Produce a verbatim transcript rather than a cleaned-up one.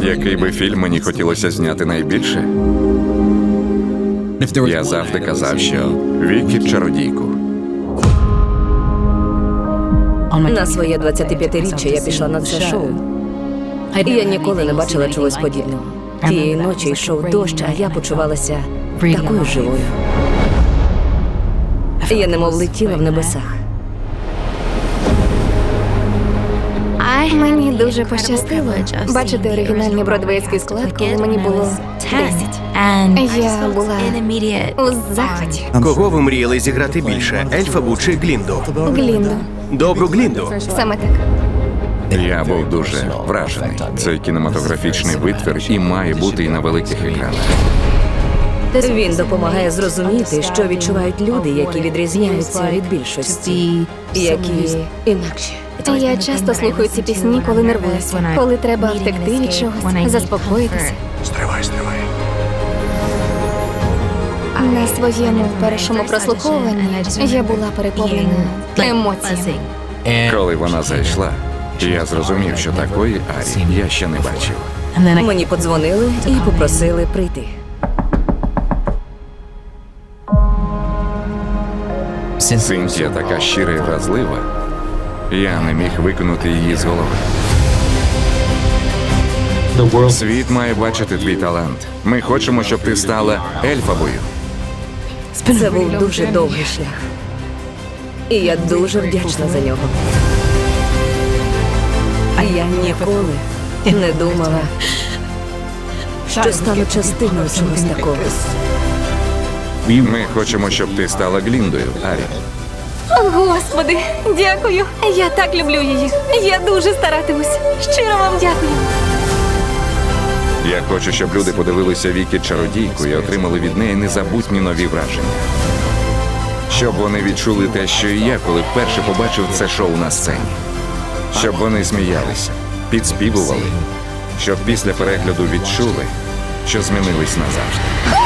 Який би фільм мені хотілося зняти найбільше? Я завжди казав, що Вікі чародійку. На своє двадцятип'ятиріччя я пішла на це шоу. І я ніколи не бачила чогось подібного. Тієї ночі йшов дощ, а я почувалася такою живою. Я немов летіла в небесах. Мені дуже пощастило бачити оригінальний бродвейський склад, коли мені було десять. Я була у захваті. Кого ви мріяли зіграти більше? Ельфабу чи Глінду? Глінду. Добру Глінду. Саме так. Я був дуже вражений. Це кінематографічний витвір і має бути і на великих екранах. Він допомагає зрозуміти, що відчувають люди, які відрізняються від більшості, які інакші. Я часто слухаю ці пісні, коли нервуюся, коли треба втекти від чогось, заспокоїтися. Стривай, стривай. На своєму першому прослуховуванні я була переповнена емоціями. Коли вона зайшла, я зрозумів, що такої Арі я ще не бачив. Мені подзвонили і попросили прийти. Синтія така щира і вразлива. Я не міг викинути її з голови. Світ має бачити твій талант. Ми хочемо, щоб ти стала Ельфабою. Це був дуже довгий шлях. І я дуже вдячна за нього. А я ніколи не думала, що стану частиною чогось такого. Ми хочемо, щоб ти стала Гліндою, Арі. О, Господи, дякую. Я так люблю її. Я дуже старатимусь. Щиро вам дякую. Я хочу, щоб люди подивилися Вікі чародійку і отримали від неї незабутні нові враження. Щоб вони відчули те, що і я, коли вперше побачив це шоу на сцені. Щоб вони сміялися, підспівували. Щоб після перегляду відчули, що змінились назавжди.